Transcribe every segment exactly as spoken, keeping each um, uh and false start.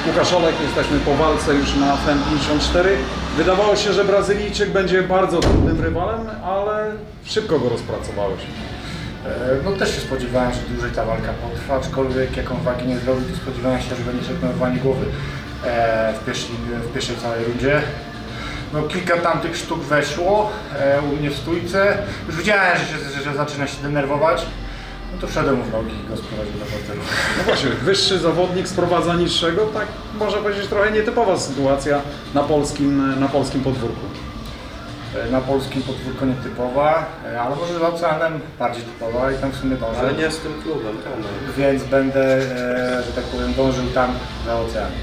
Łukasz Olek, jesteśmy po walce już na F E N pięćdziesiąt cztery. Wydawało się, że Brazylijczyk będzie bardzo trudnym rywalem, ale szybko go rozpracowałeś. No też się spodziewałem, że dłużej ta walka potrwa, aczkolwiek jaką wagi nie zrobił, to spodziewałem się, że będzie szepnowanie głowy w pierwszej, w pierwszej całej rundzie. No kilka tamtych sztuk weszło u mnie w stójce. Już widziałem, że, się, że zaczyna się denerwować. No to wszedłem mu w nogi i go sprowadził do parteru. No właśnie, wyższy zawodnik sprowadza niższego, tak można powiedzieć trochę nietypowa sytuacja na polskim, na polskim podwórku. Na polskim podwórko nietypowa, ale może za oceanem bardziej typowa i tam w sumie dążę. Ale nie z tym klubem, tam. Więc będę, że tak powiem, dążył tam za oceanem.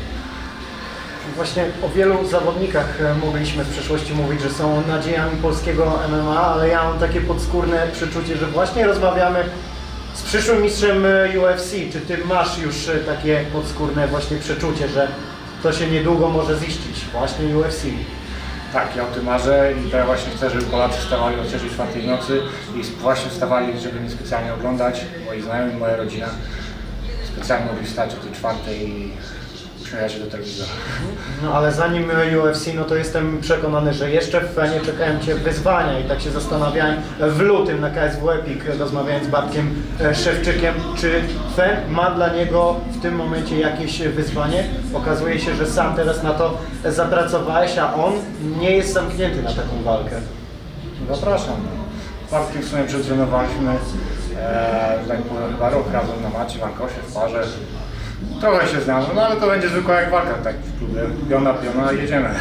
Właśnie o wielu zawodnikach mogliśmy w przeszłości mówić, że są nadziejami polskiego M M A, ale ja mam takie podskórne przeczucie, że właśnie rozmawiamy z przyszłym mistrzem U F C. Czy ty masz już takie podskórne właśnie przeczucie, że to się niedługo może ziścić, właśnie U F C? Tak, ja o tym marzę i to ja właśnie chcę, żeby Polacy wstawali o trzeciej, czwartej w nocy i właśnie wstawali, żeby mnie specjalnie oglądać, moi znajomi, moja rodzina specjalnie mogli wstać o tej czwartej i uśmiechać się do telewizora. No ale zanim U F C, no to jestem przekonany, że jeszcze w Fenie czekają Cię wyzwania i tak się zastanawiałem w lutym na K S W Epic, rozmawiając z Bartkiem Szewczykiem, czy Fen ma dla niego w tym momencie jakieś wyzwanie? Okazuje się, że sam teraz na to zapracowałeś, a on nie jest zamknięty na taką walkę. Zapraszam. Z Bartkiem w sumie przetrenowaliśmy, e, tak powiem, chyba rok razem na macie, w Ankosie, w parze. Trochę się znamy, no ale to będzie zwykła jak walka, tak w klubie, piona, piona, jedziemy.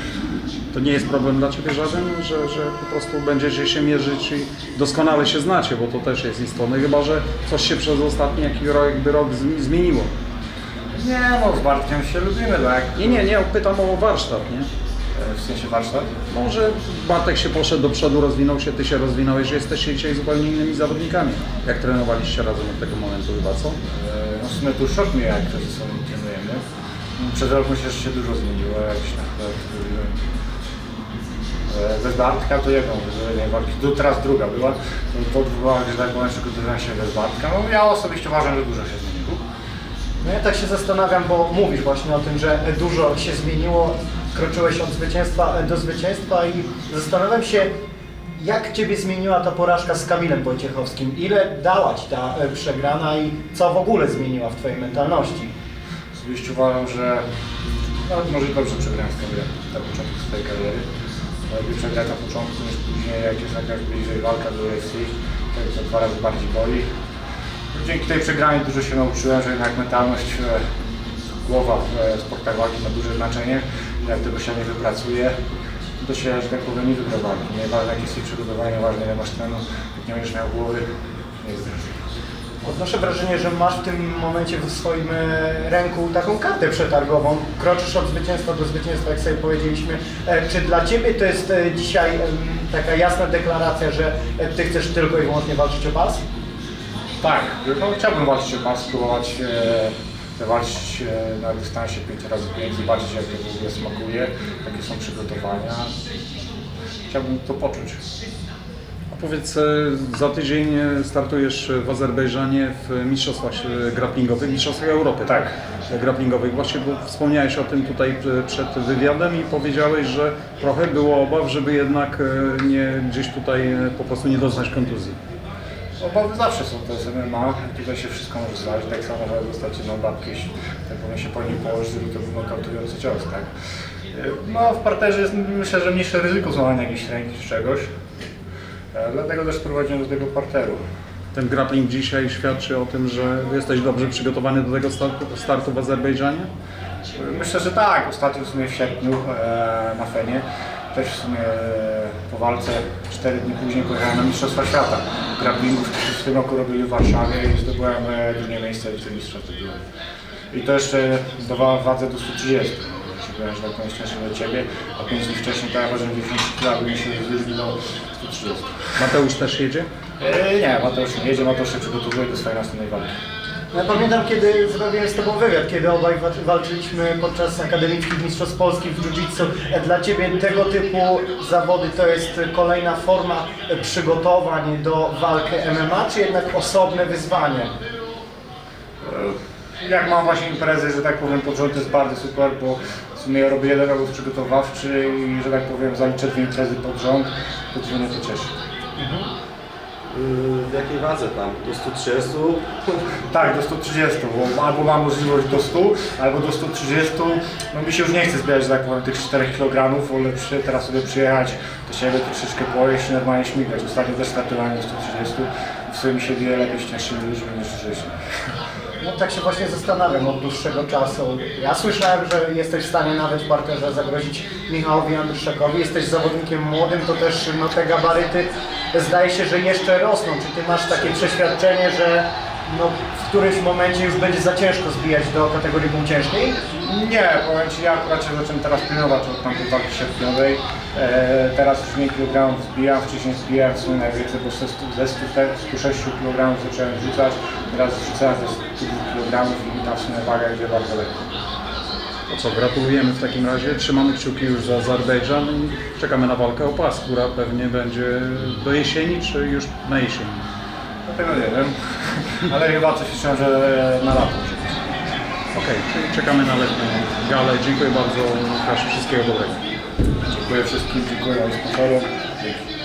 To nie jest problem dla Ciebie żaden, że, że po prostu będziecie się mierzyć i doskonale się znacie, bo to też jest istotne, chyba że coś się przez ostatni jakiś rok, jakby rok zmieniło. Nie no, z Bartkiem się lubimy, tak? Nie, nie, nie, pytam o warsztat, nie? W sensie warsztat? Może Bartek się poszedł do przodu, rozwinął się, Ty się rozwinąłeś, że jesteście dzisiaj zupełnie innymi zawodnikami. Jak trenowaliście razem od tego momentu chyba, co? No w sumie tu szok mnie, jak ze sobą trenujemy. Przez rok myślę, że się dużo zmieniło, jak się na przykład mówiłem. Bez Bartka to jedną, walki, teraz druga była. To była, że tak powiem, przygotowywałem się bez Bartka. No ja osobiście uważam, że dużo się zmieniło. No ja tak się zastanawiam, bo mówisz właśnie o tym, że dużo się zmieniło, kroczyłeś od zwycięstwa do zwycięstwa i zastanawiam się, jak Ciebie zmieniła ta porażka z Kamilem Wojciechowskim? Ile dała Ci ta przegrana i co w ogóle zmieniła w Twojej mentalności? Osobiście uważam, że nawet może dobrze przegrałem z Kamilem na początku swojej kariery. Lepiej przegrać na początku niż później, jak jest jakaś bliżej walka do U F C, to dwa razy bardziej boli. Dzięki tej przegranej dużo się nauczyłem, że jednak mentalność, głowa w sportach walki ma duże znaczenie. Jak tego się nie wypracuje, to się, że tak powiem, nie wygra walki. Nieważne jakie jest przygotowanie, ważne ile masz tlenu, jak nie będziesz miał głowy, nie zgrasz. Odnoszę wrażenie, że masz w tym momencie w swoim ręku taką kartę przetargową. Kroczysz od zwycięstwa do zwycięstwa, jak sobie powiedzieliśmy. Czy dla Ciebie to jest dzisiaj taka jasna deklaracja, że Ty chcesz tylko i wyłącznie walczyć o pas? Tak, no, chciałbym walczyć o pas, spróbować e, walczyć e, na dystansie pięć razy pięć, zobaczyć jak to w ogóle smakuje, jakie są przygotowania. Chciałbym to poczuć. A powiedz, za tydzień startujesz w Azerbejdżanie w mistrzostwach grapplingowych, mistrzostwach Europy, tak? Grapplingowych. Właśnie bo wspomniałeś o tym tutaj przed wywiadem i powiedziałeś, że trochę było obaw, żeby jednak nie gdzieś tutaj po prostu nie dostać kontuzji. Obawy zawsze są, to jest M M A, tutaj się wszystko może zdarzyć, tak samo może dostać jedną babkę, jeśli tak powiem się po nim położyć, żeby to był nokautujący cios, tak? No w parterze jest myślę, że mniejsze ryzyko złamania jakiejś ręki czy czegoś, dlatego też prowadziłem do tego parteru. Ten grappling dzisiaj świadczy o tym, że jesteś dobrze przygotowany do tego startu, startu w Azerbejdżanie? Myślę, że tak, ostatnio w sumie w sierpniu e, na Fenie, też w sumie e, po walce cztery dni później pojechałem na Mistrzostwa Świata grapplingów, które w tym roku robili w Warszawie i zdobyłem e, drugie miejsce wicemistrza wtedy. I to jeszcze do wadze do stu trzydziestu. Byłem, że tak powiem, szczęśliwy do Ciebie, a pięć dni wcześniej to ja ważyłem dziewięćdziesiąt kilo, bym się zbliżył do stu trzydziestu. Mateusz też jedzie? E, nie, Mateusz nie jedzie, Mateusz się przygotowuje do swojej następnej walki. Ja pamiętam, kiedy zrobiłem z Tobą wywiad, kiedy obaj walczyliśmy podczas akademickich mistrzostw Polski w jiu-jitsu. Dla Ciebie tego typu zawody to jest kolejna forma przygotowań do walki M M A, czy jednak osobne wyzwanie? jak mam właśnie imprezy, że tak powiem, pod rząd to jest bardzo super, bo w sumie ja robię jeden obóz przygotowawczy i, że tak powiem, zaliczę dwie imprezy pod rząd, to mnie to cieszy. W jakiej wadze tam? Do stu trzydziestu? Tak, do stu trzydziestu, bo albo mam możliwość do stu, albo do stu trzydziestu. No mi się już nie chce zbierać, że tak powiem, tych czterech kilogramów, wolę przy, teraz sobie przyjechać do siebie, troszeczkę pojeść i normalnie śmigać. Ostatnio też startowałem do stu trzydziestu i w sumie mi się bije lepiej z cięższymi ludźmi niż wcześniej. No tak się właśnie zastanawiam od dłuższego czasu. Ja słyszałem, że jesteś w stanie nawet w parterze zagrozić Michałowi Andruszakowi. Jesteś zawodnikiem młodym, to też no, te gabaryty zdaje się, że jeszcze rosną. Czy ty masz takie przeświadczenie, że no, w którymś momencie już będzie za ciężko zbijać do kategorii półciężkiej? Nie, powiem Ci, ja akurat się zacząłem teraz pilnować od tamtej walki sierpniowej. E, teraz już mniej kilogramów zbijam, wcześniej zbijałem w sumie najwięcej, bo ze stu sześciu kilogramów zacząłem rzucać. Teraz rzucałem ze stu dwóch kilogramów i tam w sumie waga idzie bardzo lekko. To co, gratulujemy w takim razie, trzymamy kciuki już za Azerbejdżan i czekamy na walkę o pas, która pewnie będzie do jesieni, czy już na jesieni? Dlatego nie wiem, ale chyba coś liczę, że na lato może być. Okej, czyli czekamy na letnią galę. Dziękuję bardzo, Łukasz, wszystkiego dobrego. Dziękuję wszystkim, dziękuję moim sponsorom. Dzięki.